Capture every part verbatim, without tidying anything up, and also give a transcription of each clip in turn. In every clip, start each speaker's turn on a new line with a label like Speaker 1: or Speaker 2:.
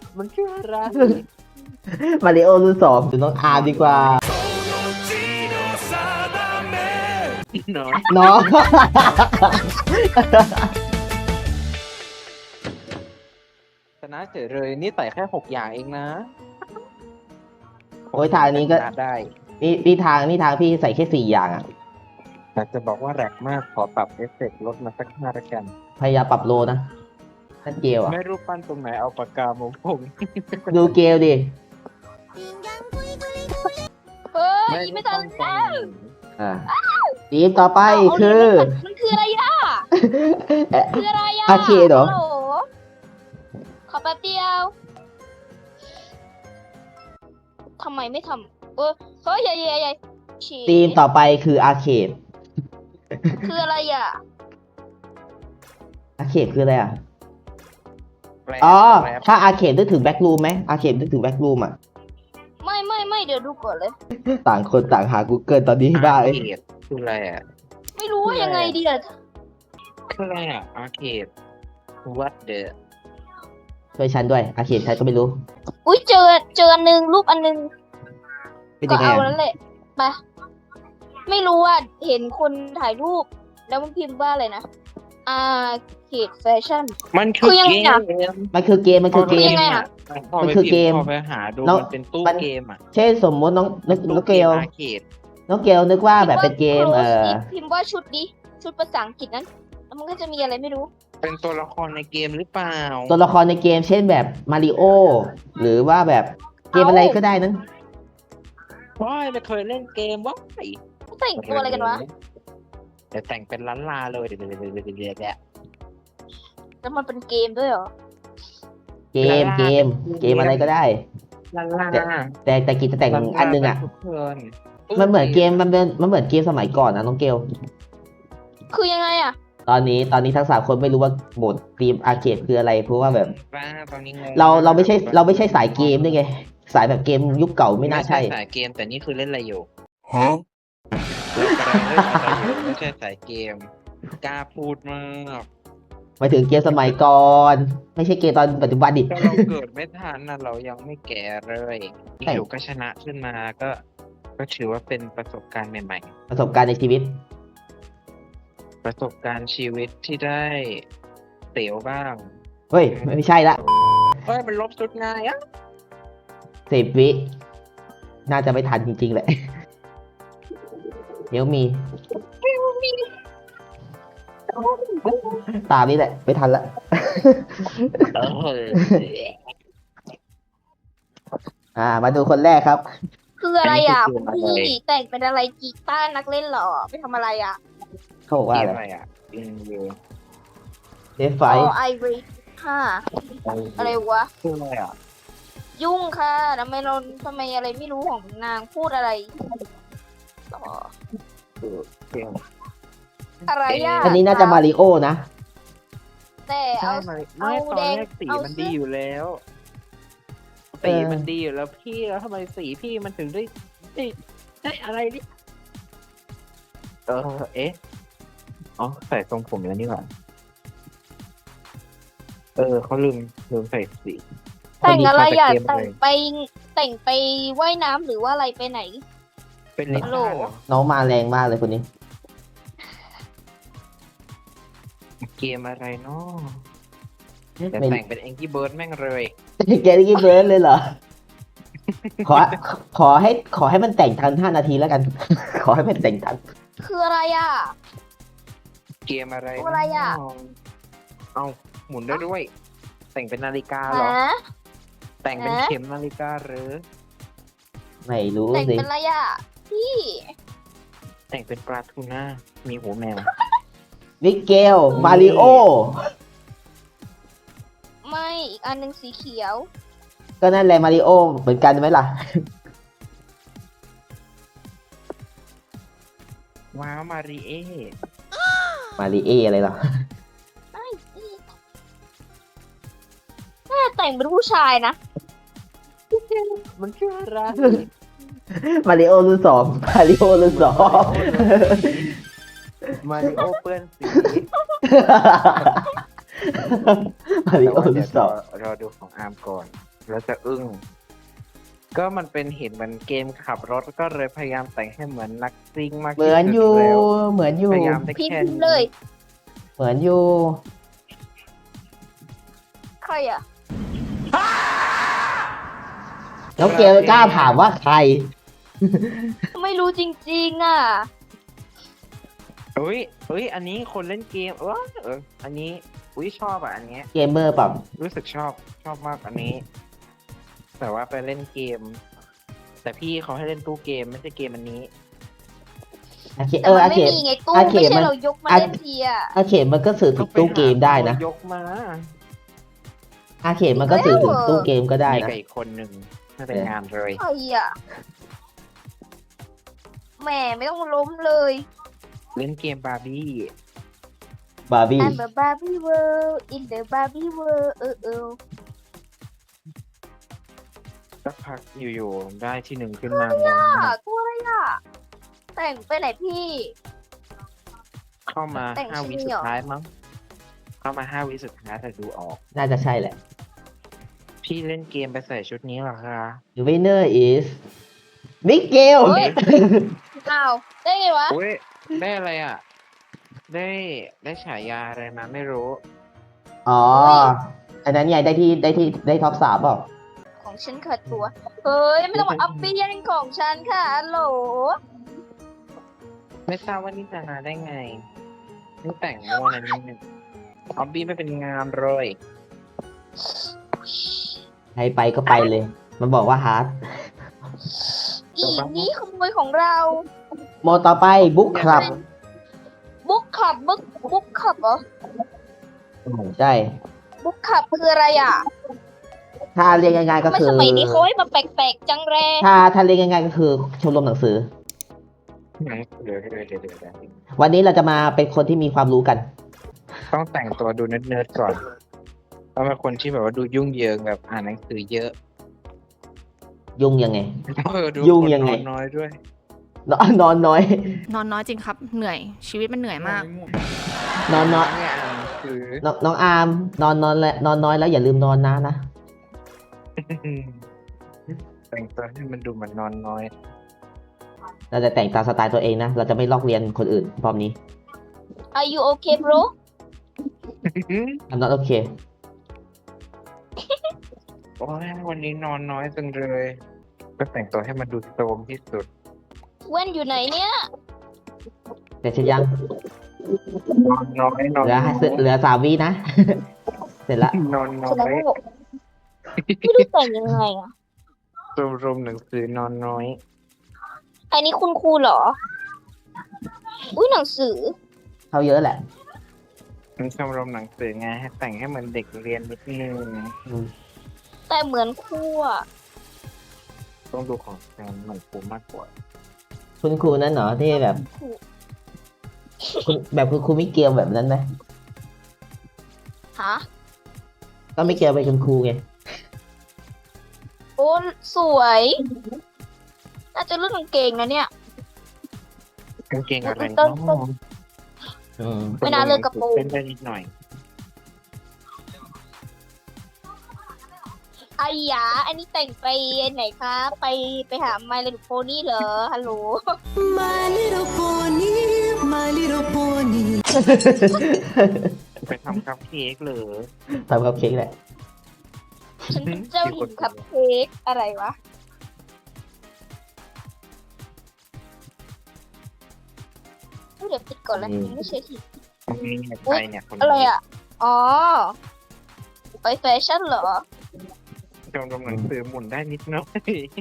Speaker 1: มันคืออะไร
Speaker 2: มาริโอรุ่นสองดูน้องอาร์มดีกว่า
Speaker 1: เนาะ
Speaker 2: น้อง
Speaker 1: ชนะเฉยเลยนี่ใส่แค่หกอย่างเองนะ
Speaker 2: โอ้ยทางนี้ก็
Speaker 1: ชะได้
Speaker 2: นี่นี่ทางนี่ทางพี่ใส่แค่สี่อย่างอ่ะ
Speaker 1: แต่จะบอกว่าแรกมากขอปรับเอฟเฟกต์ลดมาสักห้าละกัน
Speaker 2: พยายามปรับโลนะนั่นเกลอ่ะ
Speaker 1: ไม่รู้ปั้นตรงไหนเอาปากกามาพง
Speaker 2: ดูเกลดิ
Speaker 3: เฮ้ยไม่ทันแล้ว
Speaker 2: อ่าทีมต่อไป
Speaker 3: เอา
Speaker 2: คือ
Speaker 3: มันมันคืออะไรอ่ะ
Speaker 2: เอ๊ะ
Speaker 3: คืออะไรอ่ะ
Speaker 2: อาร์เคดเหรอ
Speaker 3: ฮัลโหลขอแป๊บเดียวทำไมไม่ทำเออเฮ้ยใหญ่ใหญ่ใหญ่ฉี
Speaker 2: ทีมต่อไปคืออาร์เคด
Speaker 3: คืออะไรอ่ะ
Speaker 2: อาร์เคดคืออะไรอ่ะ
Speaker 1: แปล
Speaker 2: อ๋อ
Speaker 1: แปล
Speaker 2: ถ้าอาร์เคดนึกถึงแบ็กรูมไหมอาร์เคดนึกถึงแบ็กรูมอ่ะ
Speaker 3: ไม่ไม่ไม่เดี๋ยวดูก่อนเลย
Speaker 2: ต่างคนต่างหา Google ตอนนี้ได้
Speaker 1: อาร์เคดคืออะไรอ่ะ
Speaker 3: ไม่รู้ว่ายังไงดีอ่ะ
Speaker 1: คืออะไรอ่ะอาร์เคด what the
Speaker 2: ช่วยฉันด้วยอาร์เคดใครก็ไม่รู้
Speaker 3: อุ้ยเจอเจออันหนึงรูปอันหนึง
Speaker 2: เป็น
Speaker 3: ก็
Speaker 2: ยังไง
Speaker 3: เอา
Speaker 2: อะ
Speaker 3: แล้วแหละไปไม่รู้ว่าเห็นคนถ่ายรูป แล้วมันพิมพ์ว่าอะไรนะอาเขตแฟชั่น
Speaker 1: มันคื
Speaker 3: คือ อยัง
Speaker 1: เก
Speaker 3: ไงอะ
Speaker 1: ม
Speaker 2: มันคือเกมมันคือเก
Speaker 3: คือ
Speaker 2: ม
Speaker 3: ยังไงอะ
Speaker 1: พอ
Speaker 2: มัน
Speaker 1: ไป
Speaker 2: คือ
Speaker 1: พิ
Speaker 2: เกม
Speaker 1: พ์พอไปหาดู
Speaker 2: แล้ว
Speaker 1: มันเป็นตู้
Speaker 2: มัน
Speaker 1: เกมอ่ะ
Speaker 2: เช่นสมมติน้องน้องน้องเกล
Speaker 1: อาร์เคด
Speaker 2: น้องเกลนึกว่าแบบเป็นเกม
Speaker 3: พิพ์
Speaker 2: เอ
Speaker 3: ว่า
Speaker 2: อ
Speaker 3: close พิมพ์ว่าชุดดิชุดภาษาอังกฤษนั้นแล้วมันก็จะมีอะไรไม่รู้
Speaker 1: เป็นตัวละครในเกมหรือเปล่า
Speaker 2: ตัวละครในเกมเช่นแบบมาริโอหรือว่าแบบเกมอะไรก็ได้นั้น
Speaker 1: ว้ายไม่เคยเล่นเกมว้าย
Speaker 3: แต่งตัวอะไรกันวะ
Speaker 1: เดี๋ยวแต่งเป็นล้านลาเลยเดี๋ยวเดี๋ยวเดี๋ยวเดี๋ยวเดี๋ยวเดี๋ยว
Speaker 3: แล้วมันเป็นเกมด้วยเหรอ
Speaker 2: เกมเกม เกมอะไรก็ได้
Speaker 1: ล้านลา
Speaker 2: แต่แต่กิจแต่งอันนึงอ่ะ
Speaker 1: ทุกคน
Speaker 2: มันเหมือนเกมมันเป็นมันเหมือนเกมสมัยก่อนนะน้องเกล
Speaker 3: คือยังไงอ่ะ
Speaker 2: ตอนนี้ตอนนี้ทั้งสามคนไม่รู้ว่าโหมดทีมอาร์เคดคืออะไรเพราะว่าแบบ
Speaker 1: ป้าตอนนี้งง
Speaker 2: เราเราไม่ใช่เราไม่ใช่สายเกมด้วยไง สายแบบเกมยุคเก่าไม่น่าใช่
Speaker 1: สายเกมแต่นี่คือเล่นอะไรอยู่
Speaker 4: ฮะ
Speaker 1: เล่นอะไรอยู่ไม่ใช่สายเกมกล้าพูดมาก
Speaker 2: หมายถึงเกมสมัยก่อน ไม่ใช่เกมตอนปัจจุบันดิ
Speaker 1: ก็เราเกิดไม่ทันนะเรายังไม่แก่เลย
Speaker 2: ใช่
Speaker 1: อยู่ก็ชนะขึ้นมาก็ ก็ถือว่าเป็นประสบการณ์ใหม่
Speaker 2: ประสบการณ์ในชีวิต
Speaker 1: ๆ ประสบการณ์ชีวิตที่ได้เสียวบ้าง
Speaker 2: เฮ้ย ไม่ใช่ละ
Speaker 1: เฮ้ยมันลบสุดง่ายอ่ะ
Speaker 2: สิบวิ น่าจะไม่ทันจริงๆแหละ เดี๋ยวมี ตามนี้แหละ ไม่ทันละ
Speaker 1: เออ
Speaker 2: อ่า มาดูคนแรกครับ
Speaker 3: คืออะไรอ่ะ
Speaker 1: อันนี้คือเกมอะไร
Speaker 3: พี่แต่งเป็นอะไรกีตาร์นักเล่นเหรอไปทำอะไรอ่ะ
Speaker 2: เขาบอก
Speaker 1: เก
Speaker 2: ว่าอะ
Speaker 1: ม
Speaker 2: ไร
Speaker 1: อะไรอ่ะอินยู
Speaker 2: เดฟไฟ
Speaker 3: อ๋อไอรีค่ะอะไรวะ
Speaker 1: คืออะไรอ่ะ
Speaker 3: ยุ่งค่ะทำไมเราทำไมอะไรไม่รู้ของนางพูดอะไรต่อ
Speaker 1: คือเกม
Speaker 3: อะไรอ่ะ
Speaker 2: อันนี้น่าจะมาริโอนะ
Speaker 3: แต่
Speaker 1: ใช่
Speaker 3: เอา
Speaker 1: ไหม
Speaker 3: เอา
Speaker 1: ไม่ตอน
Speaker 3: แดง
Speaker 1: แรกสี
Speaker 3: เอา
Speaker 1: มัน
Speaker 3: เสื้อ
Speaker 1: ดีอยู่แล้ว
Speaker 2: เอ
Speaker 1: สี
Speaker 2: อ
Speaker 1: มันดีอยู่แล้วพี่แล้วทำไมสีพี่มันถึงได้ได้ได้อะไรนี่เออเอ๊ะอ๋อใส่ทรงผมแล้วนี่หว่าเออเขาลืมลืมใส่สี
Speaker 3: แต่งอะไรอ่ะ
Speaker 1: คนนี้เขาจะเกมอะไร
Speaker 3: แต่งไปแต่งไปว่ายน้ำหรือว่าอะไรไปไหน
Speaker 1: เป็นลิ
Speaker 3: ฮัลโหล
Speaker 1: ซ่าเหรอ
Speaker 2: น้องมาแรงมากเลยคนนี้
Speaker 1: เกมอะไรเนาะแต่
Speaker 2: ไม่
Speaker 1: แต่งเป็นแองกี้เบิร์ดแม่งเลย
Speaker 2: แกได้กินเบิร์ดเลยเหรอ ขอ ขอให้ขอให้มันแต่งทันห้านาทีแล้วกัน ขอให้มันแต่งทัน
Speaker 3: คืออะไรอ่ะ
Speaker 1: เกมอะไร
Speaker 3: ตัวอะไรอะ
Speaker 1: เนาเอาหมุนได้ด้วย แต่งเป็นนาฬิกาเหรอ
Speaker 3: ฮะ
Speaker 1: แต่งเป็น
Speaker 3: ฮะ
Speaker 1: เข็มนาฬิกาหรือ
Speaker 2: ไม่รู้
Speaker 3: แต่ง
Speaker 2: สิ
Speaker 3: เป็นอะไรอ่ะพี่
Speaker 1: แต่งเป็นปลาทูน่ามีหัวแมว
Speaker 2: มิเกล มาริโอ
Speaker 3: ไม่อีกอันหนึ่งสีเขียว
Speaker 2: ก็นั่นแหละมาริโอเหมือนกันไหมล่ะ
Speaker 1: ว้าวมาริเอ
Speaker 2: มาริเออะไรล่ะ
Speaker 3: แม่แต่งเป็นผู้ชายนะ
Speaker 1: มันคืออะไร
Speaker 2: มาริโอรุ่นสองมาริโอรุ่นสอง
Speaker 1: มาริโอเปื้อนสี
Speaker 2: มาริโอ
Speaker 1: แต่ว่า
Speaker 2: รุ่
Speaker 1: เดี๋ย
Speaker 2: น
Speaker 1: ว
Speaker 2: ส
Speaker 1: ร
Speaker 2: อ
Speaker 1: อง รอดูของอาร์มก่อนแล้วจะอึ้งก็มันเป็นเห็นเหมือนเกมขับรถก็เลยพยายามแต่งให้เหมือนนักซิ่งมาก
Speaker 2: เหมื
Speaker 1: ที่
Speaker 2: อน
Speaker 1: สุด
Speaker 2: อยู่
Speaker 1: แล้ว
Speaker 2: เหมือนอยู่
Speaker 1: พยายามได้
Speaker 3: พิม
Speaker 1: แค่
Speaker 3: พ์
Speaker 1: นี้
Speaker 3: เลย
Speaker 2: เหมือนอยู่
Speaker 3: ใครอ่ะ
Speaker 2: แล้วเกลกล้าถามว่าใคร
Speaker 3: ไม่รู้จริงๆอ่ะ
Speaker 1: เอ้ยเอ้ยอันนี้คนเล่นเกมเออเอออันนี้อุ้ยชอบอ่ะอันเนี้ย
Speaker 2: เกมเมอร์เปล่า
Speaker 1: รู้สึกชอบชอบมากอันนี้ แต่ว่าไปเล่นเกม แต่พี่เขาให้เล่นตู้เกมไม่ใช่เกมอันนี้
Speaker 2: อาเค
Speaker 3: แต่
Speaker 2: เออ
Speaker 3: มั
Speaker 2: อาน
Speaker 3: ไม่
Speaker 2: เค
Speaker 3: มีไงตู้
Speaker 2: อาเค
Speaker 3: ไม่ใช่
Speaker 2: มัน
Speaker 3: เรายกมา
Speaker 2: อา
Speaker 3: เล่นทีอ่ะ
Speaker 2: อาเคมันก็สื่อถึงตู้เกมได้นะ
Speaker 1: ต้องปหาตัวยกมา
Speaker 2: อาเคมันก็สื่อถึงตู้เกมก็ได้
Speaker 1: มี
Speaker 2: นะ
Speaker 1: กับอีกคนหนึ่งไม่เป็นงานเลย
Speaker 3: ใครอ่ะแหม่ไม่ต้องล้มเลย
Speaker 1: เล่นเกมบาร์บี้
Speaker 2: บาร์บี้
Speaker 3: I'm a Barbie world in the Barbie world เออเออ
Speaker 1: สักพักอยู่ๆได้ที่หนึ่งขึ้นมางง
Speaker 3: อ่ะ
Speaker 1: มาก
Speaker 3: ตัวอะไรอ่ะ แต่งไปไหนพี่
Speaker 1: เข้ามา
Speaker 3: แต่ง
Speaker 1: ห้าวิ
Speaker 3: ชื่อ
Speaker 1: สุ
Speaker 3: เหร
Speaker 1: ด
Speaker 3: อ
Speaker 1: ท้ายมั้งเข้ามาห้าวิสุดท้ายแต่ดูออก
Speaker 2: น่าจะใช่แหละ
Speaker 1: พี่เล่นเกมไปใส่ชุดนี้เหรอคะ
Speaker 2: The winner is มิเกล
Speaker 3: เฮ้ย อ้าว ได้ไงวะ
Speaker 1: อุ้ยได้อะไรอ่ะ ได้ได้ฉายาอะไรมาไม่รู้
Speaker 2: อ๋อ อันนั้นไงได้ที่ได้ที่ได้ท็อปสามเปล่า
Speaker 3: ของฉันขาดตัว เฮ้ย ไม่ต้องมาอัพปี้ยังของฉันค่ะฮัลโหล
Speaker 1: ไม่ทราบว่านี่จะมาได้ไงนี่แต่งมั่วอะไรนิดนึงออบบี้ไม่เป็นงานเลย
Speaker 2: ใครไปก็ไปเลย มันบอกว่าฮาร์ด
Speaker 3: อีนี่ขโมยของเรา
Speaker 2: โมต่อไปบุ๊กคลับ
Speaker 3: บุ๊กขับบุ๊กบุ๊กขับเหรอ
Speaker 2: ใช่
Speaker 3: บุ๊กขับคืออะไรอ่ะ
Speaker 2: ถ้าเรียกง่ายๆก็
Speaker 3: ทำไม
Speaker 2: คือ
Speaker 3: สมัยนี้เขาให้มาแปลกๆจังแรง
Speaker 2: ถ้าถ้าเรียกง่ายๆก็คือชมรมหนังสือ
Speaker 1: เดี๋ยวเดี๋ยวเดี๋ยวเดี๋ยวเดี๋ยว
Speaker 2: วันนี้เราจะมาเป็นคนที่มีความรู้กัน
Speaker 1: ต้องแต่งตัวดูเนิร์ดๆก่อนต้องเป็นคนที่แบบว่าดูยุ่งเหยิงแบบอ่านหนังสือเยอะ
Speaker 2: ยุ่งยังไง
Speaker 1: เออดู
Speaker 2: ยุ่งยังไง
Speaker 1: คนนอนน้อยด้วย
Speaker 2: นอนนอนน้อย
Speaker 4: นอนน้อยจริงครับ เหนื่อย ชีวิตมันเหนื่อยมาก
Speaker 2: นอนน้อย
Speaker 1: ไม่อ่านหนังสือ
Speaker 2: น้องน้องอาร์มนอนนอนและนอนน้อยแล้วอย่าลืมนอนนะนะ
Speaker 1: แต่งตัวให้มันดูเหมือนนอนน้อย
Speaker 2: เราจะแต่งตามสไตล์ตัวเองนะ เราจะไม่ลอกเรียนคนอื่นรอบนี้
Speaker 3: Are you okay bro
Speaker 2: I'm not okay
Speaker 1: โอ้ยวันนี้นอนน้อยจังเลยก็แต่งตัวให้มันดูโตมที่สุด
Speaker 3: เว้นอยู่ไหนเนี่ย
Speaker 2: แต่ฉันยัง
Speaker 1: นอนน้อยนอน
Speaker 2: เหลือเหลือสามวินะ เสร็จละ
Speaker 1: นอนน้อ
Speaker 3: แสดง
Speaker 1: ย
Speaker 3: ว่าไม่รู้แต่งยังไงอ่ะ
Speaker 1: รวมรวมหนังสือนอนน้อย
Speaker 3: อันนี้คุณครูเหรอ อุ้ยหนังสือ
Speaker 2: เขาเยอะแหละ
Speaker 1: มันชมรมหนังสือไงให้แต่งให้เหมือนเด็กเรียนนิดนึง
Speaker 2: อืม
Speaker 3: แต่เหมือนครูอ่ะ
Speaker 1: ต้องดูของแฟนเหมือนครูมากกว่า
Speaker 2: คุณครูนั่นเหรอที่แบบ
Speaker 3: ครู
Speaker 2: คุณแบบคุณครูมิเกลแบบนั้นไหม
Speaker 3: ฮะ
Speaker 2: ก็มิเกลเป็นคุณครูไง
Speaker 3: โอ้สวย น่าจะเลือกกางเกงนะเนี่ย
Speaker 1: กางเกงอะไร
Speaker 3: ต้
Speaker 1: เนาะ
Speaker 3: นต้น
Speaker 2: อืม
Speaker 3: ไม่น่าเลือกกระโปรง
Speaker 1: เป็นได้นิดหน่อย
Speaker 3: ไอ้หยาอันนี้แต่งไปไหนคะ ไปไปหา My Little Pony เหรอ ฮัลโหล
Speaker 5: My little pony, my little pony.
Speaker 1: ไปทำคัพเค้กเหรอ
Speaker 2: ทำคัพเค้กแหละ
Speaker 3: ฉันเป็นเจ้าหญิงคัพเค้กอะไรวะ เดี๋ยวปิดก่อนแล้ว
Speaker 2: อืม
Speaker 3: ไม่ใช่ที
Speaker 1: นี่ไงใครเนี่ยคนนี้
Speaker 3: อะไรอ่ะ อ๋อ ไปแฟชั่นเหรอ
Speaker 1: ชมรมหนังสือหมุนได้นิดหน่อย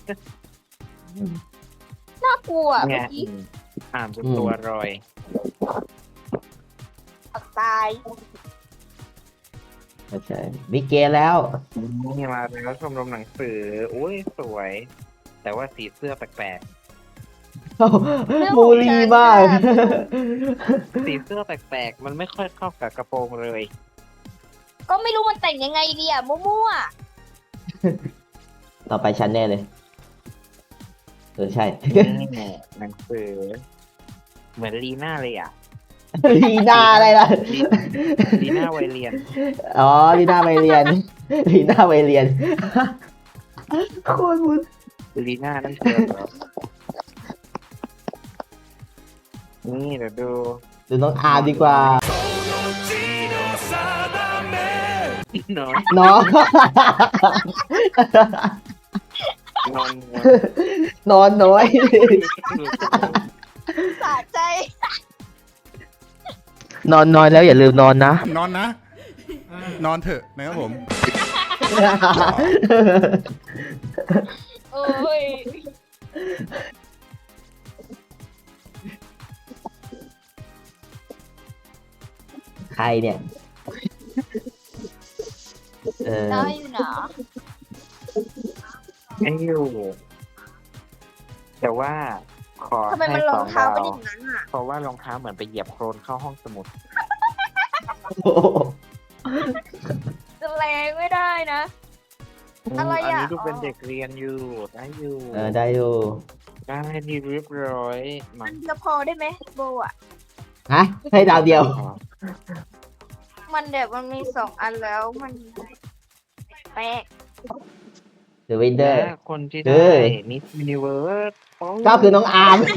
Speaker 3: น่ากลัวอะ
Speaker 1: ไง
Speaker 3: เมื่อกี้
Speaker 1: อ่านจนตัวรอย
Speaker 3: อักตาย
Speaker 2: ไม่ใช่มิเกลแล้ว
Speaker 1: นี่มาแล้วชมรมหนังสืออุ้ยสวย แต่ว่าสีเสื้อแปลก
Speaker 3: เรื่องของ
Speaker 2: มูลีมาก
Speaker 3: ฉันน่ะ
Speaker 1: ๆ สีเสื้อแปลกๆ มันไม่ค่อยเข้ากับกระโปรงเลย
Speaker 3: ก็ไม่รู้มันแต่งยังไงดีอ่ะ มั่ว
Speaker 2: ต่อไปฉันแน่เลย เออใช่
Speaker 1: นี่แหละหนังสือ เหมือนลีน่าเลยอ่ะ
Speaker 2: ลีน่าอะไรล่ะ
Speaker 1: ลีน่าวัยเรียน
Speaker 2: อ๋อลีน่าไปเรียน ลีน่าไปเรียนโคตรบุญ
Speaker 1: ลีน่านั่นเธอเหรอนี่เดี๋ยวดู
Speaker 2: ดูน้องอาร์มดีกว่า
Speaker 1: นอน
Speaker 2: น้อง
Speaker 1: นอน
Speaker 2: นอนน้อย
Speaker 3: สะใจ
Speaker 2: นอนน้อยแล้วอย่าลืมนอนนะ
Speaker 6: นอนนะ นอนเถอะนะครับผม
Speaker 3: โอ้ย
Speaker 2: ใครเนี่ย เออ
Speaker 3: ได้อยู่นะ
Speaker 1: ไม่อยู่แต่ว่าขอ
Speaker 3: ทำไมมัน
Speaker 1: ให้
Speaker 3: ร
Speaker 1: ส
Speaker 3: อ
Speaker 1: อง ง
Speaker 3: เท้า
Speaker 1: ดาว
Speaker 3: เป็นอย่างนั้นอ่ะ
Speaker 1: เพราะว่ารองเท้าเหมือนไปเหยียบโคลนเข้าห้องสมุด
Speaker 3: จะแรงไม่ได้นะ อะไรอ่ะ
Speaker 1: นนี้ดูเป็นเด็กเรียนอยู่ได้อยู่
Speaker 2: เออได้อยู่
Speaker 1: ได้ดีเรียบร้อยมั
Speaker 3: มัน นจะพอได้ไหมโบอ่ะ
Speaker 2: ฮะ ให้ดาวเดียว
Speaker 3: มันแบบมันมีสองอันแล้วมันแปลก
Speaker 2: The Winner
Speaker 1: และคนที่
Speaker 2: เอ
Speaker 1: ได้
Speaker 2: อ
Speaker 1: มิสยูนิเวิร์ส
Speaker 2: ก็คือน้องอาร์ม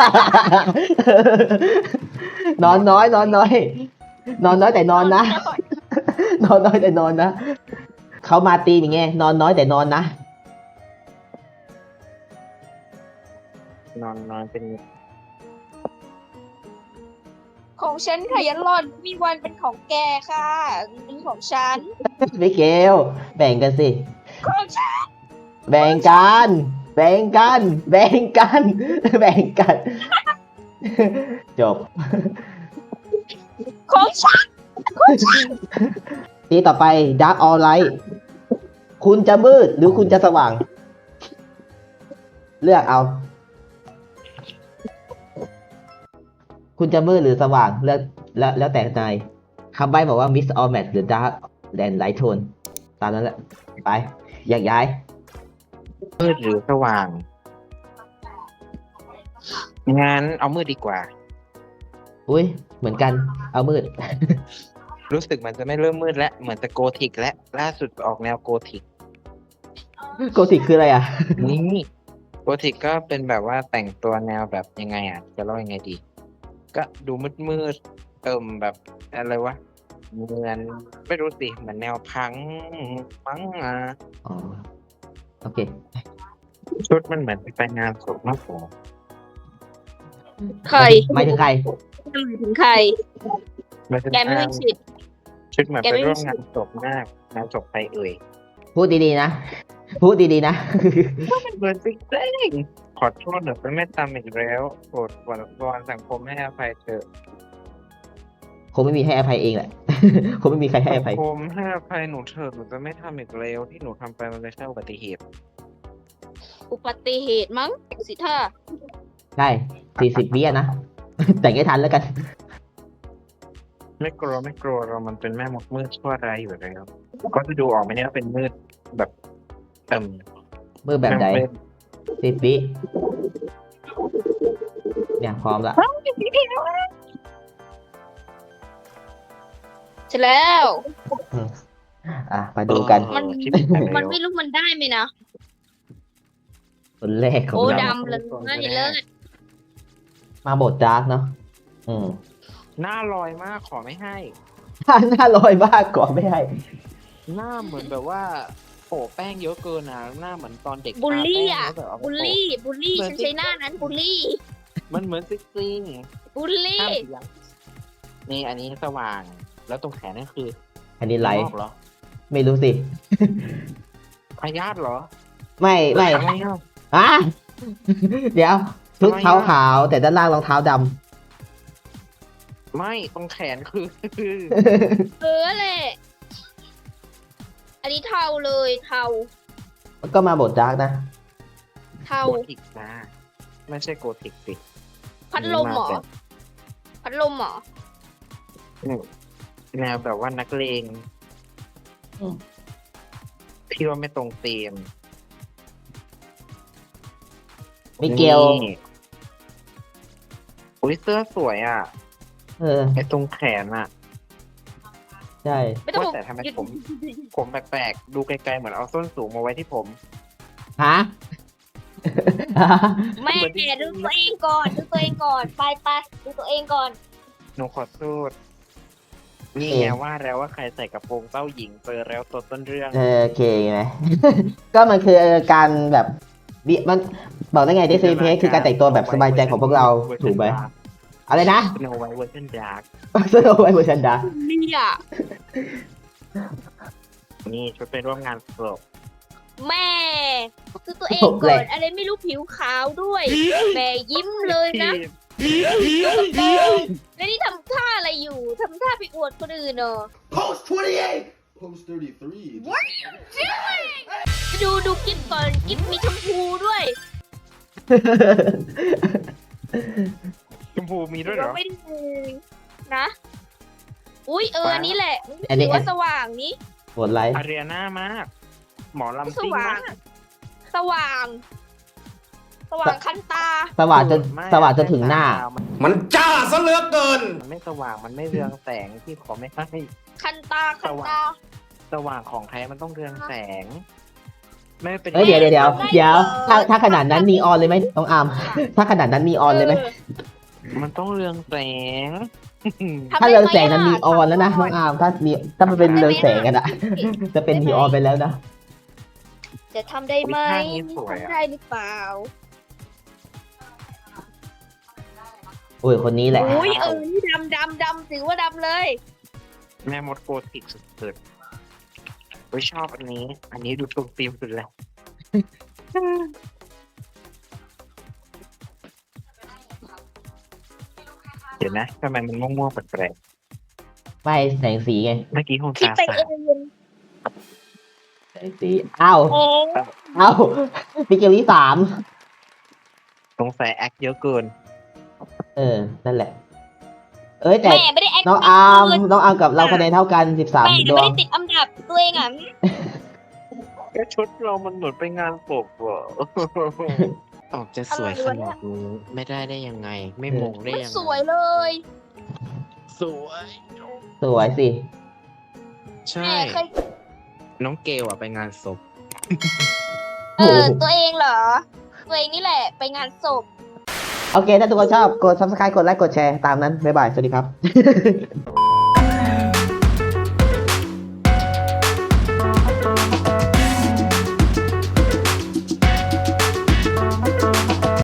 Speaker 2: นอนน้อย นอนน้อย นอนน้อยแต่นอนนะ นอนน้อยแต่นอนนะ เขามาตีมอย่างเงี้ยนอนน้อยแต่นอนนะ
Speaker 1: นอนนอนเป็น
Speaker 3: ของฉันค่ะยันรอดมีวันเป็นของแกค่ะเป็นของฉัน
Speaker 2: ไม่เกลแบ่งกันสิ
Speaker 3: ของฉัน
Speaker 2: แบ่งกัน แบ่งกัน แบ่งกัน แบ่งกัน จบ
Speaker 3: ของฉัน
Speaker 2: ทีต่อไป Dark or Light คุณจะมืดหรือคุณจะสว่าง เลือกเอา คุณจะมืดหรือสว่างเลือกแล้วแล้วแต่นายคำใบ้บอกว่า Mix or Match หรือ Dark and Light Tone ตามนั้นแหละ ไปแยกย้าย
Speaker 1: มืดหรือสว่างงั้นเอามืดดีกว่า
Speaker 2: อุ้ยเหมือนกันเอามืด
Speaker 1: รู้สึกมันจะไม่เริ่มมืดแล้วเหมือนจะโกธิกและล่าสุดออกแนวโกธิก
Speaker 2: โกธิกคืออะไรอ่ะ
Speaker 1: นี่โกธิกก็เป็นแบบว่าแต่งตัวแนวแบบยังไงอ่ะ จะเล่ายังไงดี ก็ดูมืดมืดๆเอิ่มแบบอะไรวะเหมือนไม่รู้สิเหมือนแนวพังมั้งอ่ะ
Speaker 2: อ๋อ โอเค
Speaker 1: ชุดมันเหมือนไปงานศพมากกว่า
Speaker 3: ใคร
Speaker 2: หมายถึงใคร
Speaker 3: จะหมายถึงใคร
Speaker 1: มันเป็น
Speaker 3: แกไม่มีสิทธิ์
Speaker 1: ชุดเหมือน
Speaker 3: แก
Speaker 1: ไป
Speaker 3: ไม่มี
Speaker 1: ร่วมงานศพมากงานศพไปเอ่ย
Speaker 2: พูดดีๆนะ พูดดีๆนะ
Speaker 1: เหมือนจริงๆขอโทษหนูเป็นแม่ตามอีกแล้วโปรดวอนวอนสังคมให้อภัยเถอะ
Speaker 2: คงไม่มีให้อภัยเองแหละ คงไม่มีใครให้อ
Speaker 1: สัง
Speaker 2: ภัย
Speaker 1: คมให้อภัยหนูเถอะหนูจะไม่ทำอีกแล้วที่หนูทำไปมันเป็นแค่อุบัติเหตุ
Speaker 3: อุบัติเหตุมั้งสิท่า
Speaker 2: ใช่สี่สิบวิอะนะ แต่งให้ทันแล้วกัน
Speaker 1: ไม่กลัวไม่กลัวเรามันเป็นแม่มดมืดชั่วร้ายอยู่แล้วก็จะดูออกไหมเนี่ยว่าเป็นมืดแบบเติม
Speaker 2: มือแบบใด
Speaker 1: เป็น
Speaker 2: สิบวิเนี่ยพร้อมละ
Speaker 3: ใช่แล้ว
Speaker 2: อ่ะ มาดูกัน
Speaker 3: มัน
Speaker 1: เออคิดไปแล้ว
Speaker 3: มันไม่รู้มันได้ไหมนะ
Speaker 2: คนแรกของ
Speaker 3: โอ้
Speaker 2: เรา
Speaker 3: ดำเลยไม่เลิศ
Speaker 2: มาบทดาร์กเนาะอืม
Speaker 1: หน้าลอยมากขอไม่ให้
Speaker 2: หน้าลอยมากก่อนไม่ให้
Speaker 1: หน้าเหมือนแบบว่าโปะแป้งเยอะเกินนะหน้าเหมือนตอนเด็ก
Speaker 3: บูลลี่
Speaker 1: ทา
Speaker 3: อ่ะ
Speaker 1: แป้งแล้วแบบเอามา
Speaker 3: บูล
Speaker 1: โปะ
Speaker 3: ลี่ บูลลี่
Speaker 1: เหมือน
Speaker 3: ฉันใช้หน้านั้นบูลลี่
Speaker 1: มันเหมือนซิกซิง
Speaker 3: บูลลี่
Speaker 1: ห้ามเสียงนี่อันนี้สว่าง แล้วตรงแขนนั่นคือ
Speaker 2: อันนี้ไล
Speaker 1: ง
Speaker 2: ท์
Speaker 1: อกเหรอ
Speaker 2: ไม่รู้สิ
Speaker 1: พยาธิเหรอ
Speaker 2: ไม่ไม่
Speaker 1: อะไรอ่ะ
Speaker 2: อ่ะ เดี๋ยวชุด
Speaker 1: ทำไมอะ
Speaker 2: เท้าขาวแต่ด้านล่างรองเท้าด
Speaker 1: ไม่ตรงแขนคือ
Speaker 2: ำ
Speaker 3: เออแหละ อันนี้เทาเลยเทา
Speaker 2: ก็มาบทดาร์กนะ
Speaker 3: เทา
Speaker 1: โกธิกนะไม่ใช่โกธิกสิ
Speaker 3: พัดลมเหรอ
Speaker 1: นี่า
Speaker 3: พัดลมเหรอ
Speaker 1: แบบแนวแบบว่านักเลง
Speaker 2: อืม
Speaker 1: พี่ว่าไม่ตรงเตีม
Speaker 2: มิเกล
Speaker 1: นี่อุ้ยเสื้อสวยอ่ะ
Speaker 2: เออ
Speaker 1: ไอ้ตรงแขนอ่ะ
Speaker 2: ใช่
Speaker 3: ไม่ต้อง
Speaker 1: ว่าแต่ทำไมผม ผมแปลกๆ ดูไกลๆ เหมือนเอาส้นสูงมาไว้ที่ผม
Speaker 2: ฮะ
Speaker 3: แม่ดูตัวเองก่อนดูตัวเองก่อนไปไปดูตัวเองก่อน
Speaker 1: หนูขอสู้นี่ไงว่าแล้วว่าใครใส่กระโปรงเต้าหญิงเจอแล้วตัวต้นเรื่อง
Speaker 2: เออโอเคไหม ก็มันคือการแบบวิมันบอกได้ไงดิซีเพคือการแต่งตัวแบบสบายใจของพวกเราถูกไหมอะไรนะ
Speaker 1: สโนไวท์เวอร์ชันดาร์ก
Speaker 2: สโนไวท์เวอร์ชันดา
Speaker 3: เนี่ย
Speaker 1: นี่ชุดไปร่วมงานศพ
Speaker 3: แม่ดูตัวเองก่อนอะไรไม่รู้ผิวขาวด้วยแม่ยิ้มเลยนะแล้วนี่ทำท่าอะไรอยู่ทำท่าไปอวดคนอื่นเนอะ
Speaker 7: Post twenty-eight. Post thirty-three. What?
Speaker 3: ดูดูกิ๊บก่อนกิ๊บมีชมพูด้วย
Speaker 1: ชมพูมีด้วยเหรอ
Speaker 3: เราไม่ได้เลยนะ อุ้ยเอออันนี้แหละ
Speaker 2: อันนี้
Speaker 3: ถือว่าสว่างนี้
Speaker 2: โหดไลท์
Speaker 1: อารีนามาก หมอลำ
Speaker 3: ส
Speaker 1: ซิ่ง
Speaker 3: ว่าง
Speaker 1: มาก
Speaker 3: สว่าง สว่างคันตา
Speaker 2: สว่างจนสว่างจนถึงหน้า
Speaker 7: มันจ้าซะเหลือเกิน
Speaker 1: มันไม่สว่างมันไม่เรืองแสงที่ขอไม่ให้
Speaker 3: คันตาคันตา
Speaker 1: สว่างของแท้มันต้องเรืองแสง ไม่เป็น
Speaker 2: เอ้ยเดี๋ยวเดี๋ยวเดี๋ยวเดี๋ยวถ้าถ้าขนาดนั้นนีออนเลยไหมน้องอาร์มถ้าขนาดนั้นนีออนเลยไหม
Speaker 1: มันต้องเรืองแสง
Speaker 3: ทำ
Speaker 2: ถ้า
Speaker 3: ได้
Speaker 2: เรือง
Speaker 3: ไหม
Speaker 2: แสงนั้น
Speaker 3: ะ
Speaker 2: นีออนแล้วนะน้องอาร์มถ้านีถ้ามันเป็นเรืองแสงกันอะจะเป็นนีออนไปแล้วนะ
Speaker 3: จะทำได้ไหม
Speaker 1: อุ๊ยท่านี้สวยอะ
Speaker 3: ทำได้หรือเปล่า
Speaker 2: โอ้ยคนนี้แหละ
Speaker 3: อุ้ยเออนี่ดำดำดำถือว่าดำเลย
Speaker 1: แม่มดโกธิกสุดๆไม่ชอบอันนี้ อันนี้ดูตรงตีมสุดแล้วเดี๋ยวนะทำไมมันม่วงๆแปลก
Speaker 2: ไม่แสงสีไง
Speaker 1: ๆเมื่อกี้คง
Speaker 3: คิด
Speaker 1: ตา
Speaker 3: ไป
Speaker 1: สา
Speaker 3: เอ
Speaker 1: ว
Speaker 3: ง
Speaker 2: แสงสีอ้าว
Speaker 3: โอ้
Speaker 2: อ้าวมิเกลที่สาม
Speaker 1: สงสัยแอคเยอะเกิน
Speaker 2: เออนั่นแหละ เอ้ยแต่
Speaker 3: แม่ไม่ได้แอค
Speaker 2: น้องอาร์มน้องอาร์มกับเราคะแนนเท่ากันสิบสาม
Speaker 3: แม่
Speaker 2: ด
Speaker 3: ไม่
Speaker 2: วง
Speaker 3: ได้ติดอันดับตัวเองอ่ะ
Speaker 1: ก็ชุดเรามันเหมือนไปงานศพว่ะ ออกจะสวยขนาดนี้ไม่ได้ได้ยังไง ไม่มงได้
Speaker 3: มัน
Speaker 1: ยังไง
Speaker 3: สวยเลย
Speaker 1: สวย
Speaker 2: สวยสิ
Speaker 1: ใช่
Speaker 3: แม่เคย
Speaker 1: น้องเกลอะไปงานศพ
Speaker 3: เออตัวเองเหรอ ตัวเองนี่แหละ ไปงานศพ
Speaker 2: โอเค ถ้าทุกคนชอบ กด ซับสไครบ์ กดไลค์ กดแชร์ ตามนั้น บ๊ายบาย สวัสดีครับ